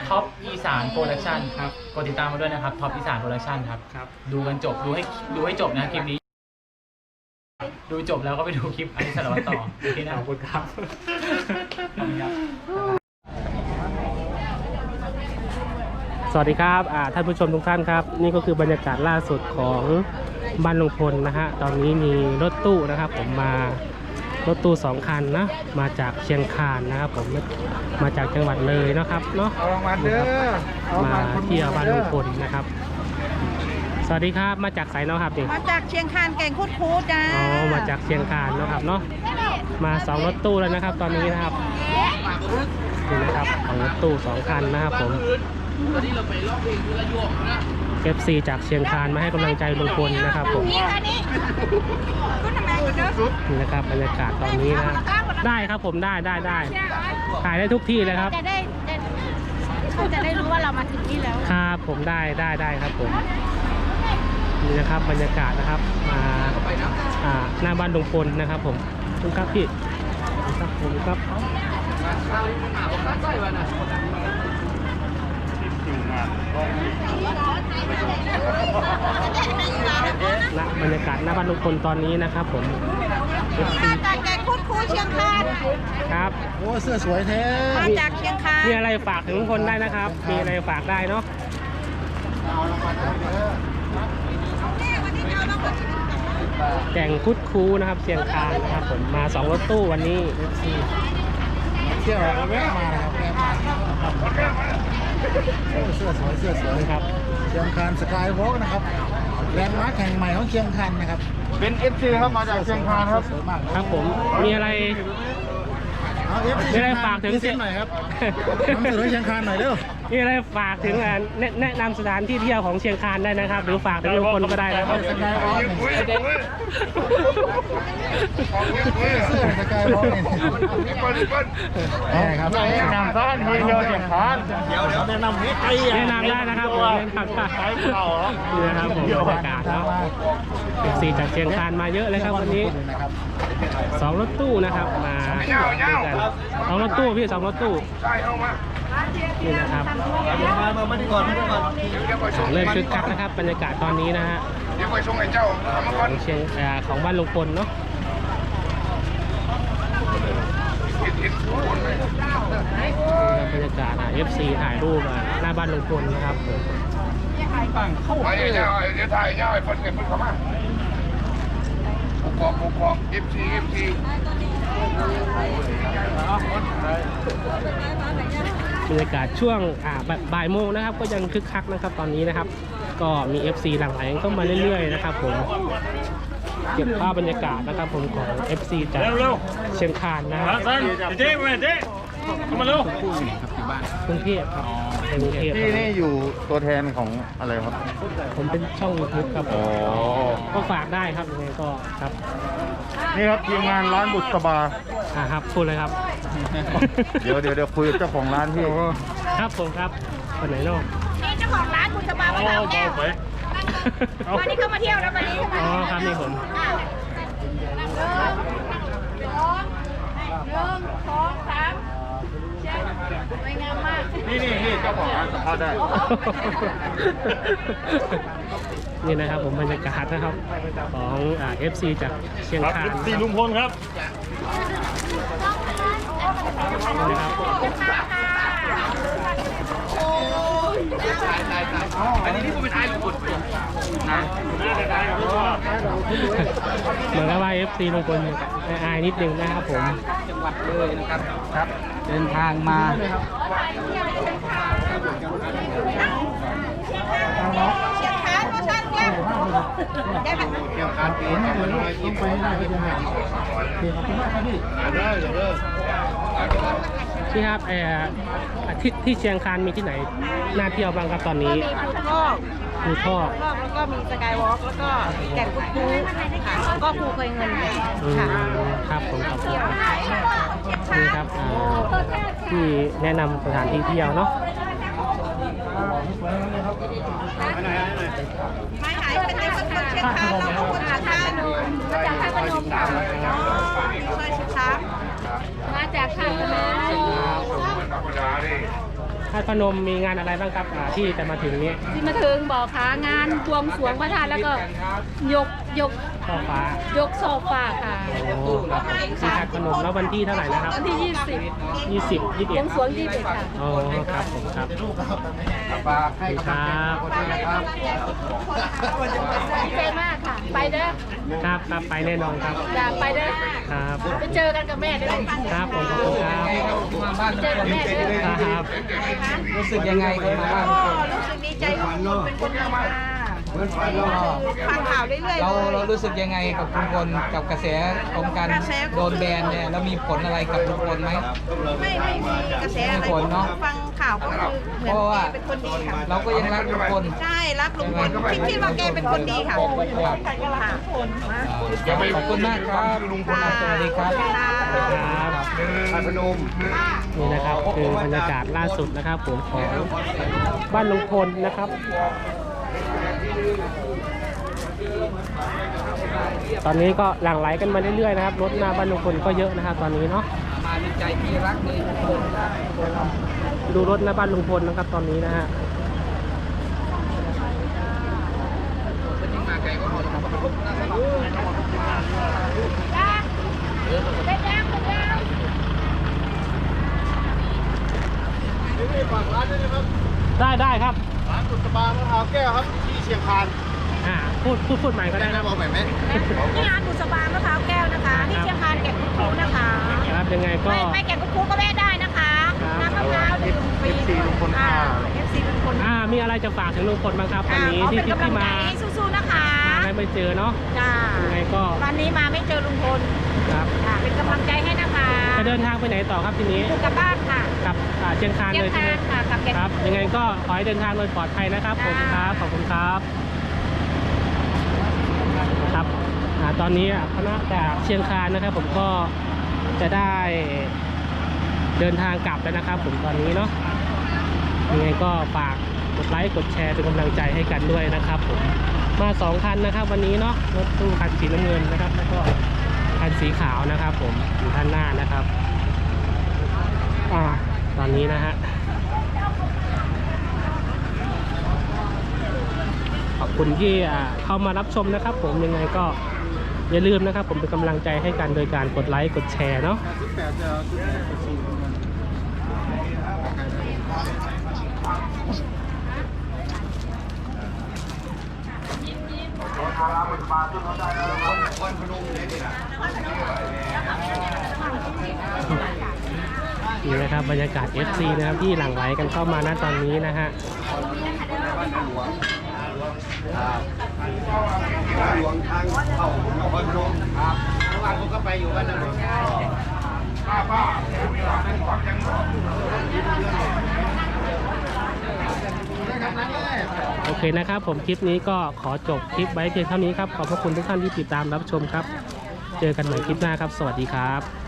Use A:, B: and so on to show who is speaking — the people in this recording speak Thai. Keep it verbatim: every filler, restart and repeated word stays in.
A: ท็อปอีสานโปรดักชั่นครับกดติดตามมาด้วยนะครับท็อปอีสานโปรดักชั่นครับครับดูกันจบดูให้ดูให้จบนะคลิปนี้ดูจบแล้วก็ไปดูคลิปอันนี้สารวัตรต่อโอเคนะขอบคุณครับ
B: สวัสดีครับท่านผู้ชมทุกท่านครับนี่ก็คือบรรยากาศล่าสุดของบ้านลุงพลนะฮะตอนนี้มีรถตู้นะครับผมมารถตู้สองคันนะมาจากเชียงคานนะครับผมมาจากจังหวัดเลยนะครับเนาะมาเด้อมาเที่ยวบ้านลุงพลนะครับสวัสดีครับมาจากไสเนาะครับนี่
C: มาจากเชียงคานแก่งคุดคูดจ้า
B: อ๋อมาจากเชียงคานเนาะครับเนาะมาสองรถตู้แล้วนะครับตอนนี้นะครับนี่นะครับของรถตู้สองคันนะครับผมเอฟซีจากเชียงคานมาให้กำลังใจลุงพลนะครับผมนี่นะครับบรรยากาศตอนนี้นะได้ครับผมได้ได้ได้ถ่ายได้ทุกที่เลยครับ
C: จะได้เขาจะได้รู้ว่าเรามาถึงนี่แล้ว
B: ครับผมได้ได้ได้ครับผมนี่นะครับบรรยากาศนะครับมาอ่าหน้าบ้านลุงพลนะครับผมคุณครับพี่ครับผมครับณบรรยากาศหน้าบ้านลุงพลตอนนี้นะครับผม
C: มาจากแก่งคุดคูดเชียงคาน
B: ครับ
D: โอ้เสื้อสวยแท้
C: มาจากเชียงคาน
B: มีอะไรฝากถึงลุงพลได้นะครับมีอะไรฝากได้เนาะแก่งคุดคูนะครับเชียงคานนะครับผมมาสองรถตู้วันนี้
D: เที่ยวแวะมานะครับแวะมาเสื้อสวยเสื้อสวย
B: ครับ
D: เชียงคานสกายวอล์กนะครับแลนด์มาร์คแห่งใหม่ของเชียงคานนะครับ
E: เป็น เอฟ ซี ครับมาจากเชียงคานครับ
B: ครับผมมีอะไรมีอะไรฝากถึง
D: เชียงหน่อยครับนำเสนอเชียงคานหน่อยเร็ว
B: มีอะไรฝากถึงแนะนำสถานที่เที่ยวของเชียงคานได้นะครับหรือฝากถึงลุงพลก็ได้นะครับ
D: สกายวอล์กเสื้อสกายวอล์กนี่ครับ
E: แนะนำท่านที่เที่ยวเชียงคาน
D: เดี๋ยวเดี๋ยวแนะนำให้ใคร
B: แนะนำได้นะครับผมแนะนำได้นี่นะครับผมบรรยากาศแล้วเอฟซีจากเชียงคานมาเยอะเลยครับวันนี้สองรถตู้นะครับมาสองรถตู้พี่สองรถตู้นี่นะครับ
D: มาดีก่อนมาดีก่อน
B: เริ่มคึกคักนะครับบรรยากาศตอนนี้นะฮะ
E: เดี๋ยวไปชงไอ้เจ้า
B: ของเชียงของบ้านลุงพลเนาะบรรยากาศอ่ะ เอฟ ซี ถ่ายรูปหน้าบ้านลุงพลนะครับ
E: ผมไปเจ้าเดี๋ยวถ่ายเจ้าไอ้คนเก็บมือเข้ามาบุกกอกบุกกอก เอฟ ซี เอฟ ซี
B: บรรยากาศช่วงอ่าบ่ายโมงนะครับก็ยังคึกคักนะครับตอนนี้นะครับก็มี เอฟ ซี หลั่งไหลเข้ามาเรื่อยๆนะครับผมเก็บภาพบรรยากาศนะครับผมของ เอฟ ซี จากเชียงคานนะครับ
E: เจ๊มาเจ๊มาเร็ว
B: กรุงเทพครับกรุงเทพ
E: ที่นี่อยู่ตัวแทนของอะไรครับ
B: ผมเป็นช่องยูทูบครับอ๋อก็ฝากได้ครับยังไงก็ครับ
E: นี่ครับทีมงานร้านบุษบา
B: อ่าครับพูดเลยครับ
E: เดี๋ยวเดี๋ยวเดี๋ยวคุยกับเจ้าของร้านที่
B: ครับผมครับคนไหนเนาะ
C: นี่เจ้าของร้านบุษบาวัดเราแก้ววันนี้เขามาเที่ยวแล้ววันนี้
B: อ๋อครับนี่ผม
C: หนึ่งสองสามสวยงามมาก
E: นี่นี่นี่เจ้าของร้านสัมภาษณ์ได้
B: นี่นะครับผมบรรยากาศนะครับของอ่า เอฟ ซี จากเชียงคาน
E: เอฟ ซี ลุงพลครับ
B: นี่นะครับ
E: อันนี้ที่ผมไปถ่ายลุงพลนะ
B: เหมือนกับว่า เอฟ ซี ลุงพลอายนิดนึงนะครับผม
D: จังหวัดเลยนะครับครับเดินทางมา
C: เชียงคานโมชั่นเนี่ยได้ไหม
D: เกี่ยวกับเอ็นเลยยิ้มไปได้ก็จะหายเกี่ยวกับคุณแม่ครับพี่ได้เดี๋ยวเด้อ
B: พี่ครับเอ่อที่ที่เชียงคานมีที่ไหนน่าเที่ยวบ้างครับตอนนี้
C: ภูทอกภูทอกแล้วก็มีสกายวอล์กแล้วก็แก่งคุดคูค่ะแล้วก็ภูเคยเงินค่ะ
B: ครับผมขอบคุณนี่ครับที่แนะนำสถานที่เที่ยวเนาะ
C: ไม่หายเป็นในคนเชียงคานเราก็คนเชียงคานมาจากท่าพนมช่วยชิดช้ามาจากท่าพนม
B: ถ้าาตุพนมมีงานอะไรบ้างครับอ่าที่จะมาถึงนี้
F: ที่มาถึงบอกขางานบวงสรวงพระธาตุแล้วก็ยกยก
B: ช่อฟ้าย
F: กโซฟาค่ะ
B: โอ้ครับที่ธาตุพนมแล้ววันที่เท่าไหร่นะครับ
F: วันที่ยี่สิบ
B: ยี่สิบ ยี่สิบบ เอ็
F: ว
B: ด
F: งสรวงยี่สิบค่ะ
B: โอ้ครับผมครับ
E: ฝากให้กำลังใจคนด้วยนะครับ
F: ดีใจมากค่ะ ไปเด้อ
B: ครับครับไปแน่นอนครับ
F: อยากไปเด้อ
B: ครับ
F: ไปเจอกันกับแม่เด้อ
B: ครับผมขอบคุณครับ
F: ไปเจอกับแม่เด้อ
B: ครับ
G: รู้สึกยังไงครับมาบ้าน
C: ก็รู้สึกดีใจที่คุณเป็นคนดีมา
E: เหมือนฝันเนาะ
C: ฟังข่าวเรื่อยๆ
G: เรา
C: เลย
G: เรารู้สึกยังไงกับลุงพลกับกระแสของการโดนแบนเนี่ยแล้วมีผลอะไรกับลุงพลไหม
C: ไม่ไม่มีกระแสอะไร
G: ผลเนอะ
C: ฟังข่าวก็คือเหมือน
G: เพราะว่า
C: แกเป็นคนดีค่ะ
G: เราก็ยังรักลุงพล
C: ใช่รักลุงพลคิดคิดว่าแกเป็นคนดีค่ะ
G: ครับ
C: ค่ะ
G: ขอบคุณมากครับลุงพลสวัสดีครับ
B: ครับ
E: ธาตุพนม
B: นี่นะครับคือบรรยากาศล่าสุดนะครับผมของบ้านลุงพลนะครับ ตอนนี้ก็หลั่งไหลกันมาเรื่อยๆนะครับรถหน้าบ้านลุงพลก็เยอะนะครับ ตอนนี้เนาะ
G: มาด้วยใจที่รักเลยลุงพลครับ
B: ดูรถหน้าบ้านลุงพลนะครับ ตอนนี้นะฮะ
G: คนที่มาไกลก็หมดครับ
B: ได้ได้ครับ
D: ร้านกุศบามะพร้าวแก้วครับที่เชียงคาน
B: อ่าพูดพูดพูดใหม่ก็ได้นะ
D: บอกใหม่ไหม
C: ที่ร้านบุษบามะพร้าวแก้วนะคะที่เชียงคานแก่นคุกคูนะคะ
B: ครับยังไงก็
C: ไม่ไม่แก่นคุกคูก็แวะได้นะคะน้ำมะพร้าวดื่มฟรีอ่าเอฟซีลุงพล
B: อ่ามีอะไรจะฝากถึงลุงพลบ้างครับวันนี้
C: อ่าขอ
B: ที่
C: เป็น
B: ที่
C: กำลั
B: ที่
C: งใจ
B: มา
C: ให้สู้ๆนะคะ
B: ได้ไม่เจอเนาะ
C: จ้า
B: ยังไงก็
C: วันนี้มาไม่เจอลุงพล
B: ครับ
C: ค่ะเป็นกำลังใจให้นะคะ
B: จะเดินทางไปไหนต่อครับทีนี้
C: คือกลับบ้านค่ะ
B: กลับอ่าเชียงคาน
C: เชีย
B: เล
C: ง
B: ยใช่
C: คา
B: ไหม
C: นค่ะกลับแก่น
B: ครับยังไงก็ขอให้เดินทางโดยปลอดภัยนะครับผมค
C: จ้า
B: รับขอบคุณครับครับอ่าตอนนี้คณะจากเชียงคานนะครับ ผมก็จะได้เดินทางกลับแล้วนะครับ ผมตอนนี้เนาะยังไงก็ฝากกดไลค์กดแชร์เป็นกำลังใจให้กันด้วยนะครับ ผมมาสองคันนะครับ วันนี้เนาะรถตู้คันสีน้ำเงินนะครับ แล้วก็คันสีขาวนะครับ ผมอยู่ด้านหน้านะครับอ่าตอนนี้นะฮะ ขอบคุณที่อ่าเข้ามารับชมนะครับ ผมยังไงก็อย่าลืมนะครับ ผมเป็นกำลังใจให้กันโดยการกดไลค์กดแชร์เนาะ
D: ชุดแปดจะเอาชุดแปดไปสี่คนกัน
B: นี่นะครับบรรยากาศ เอฟ ซี นะครับที่หลั่งไหลกันเข้ามาณตอนนี้นะฮะ
E: หลวงทางเข้านครพนมครับเมื่อวานผมก็ไปอยู่บ้านนั้นป้าป้าความยัง
B: โอเคนะครับ ผมคลิปนี้ก็ขอจบคลิปไว้เพียงเท่านี้ครับขอบพระคุณทุกท่านที่ติดตามรับชมครับ เจอกันใหม่คลิปหน้าครับ สวัสดีครับ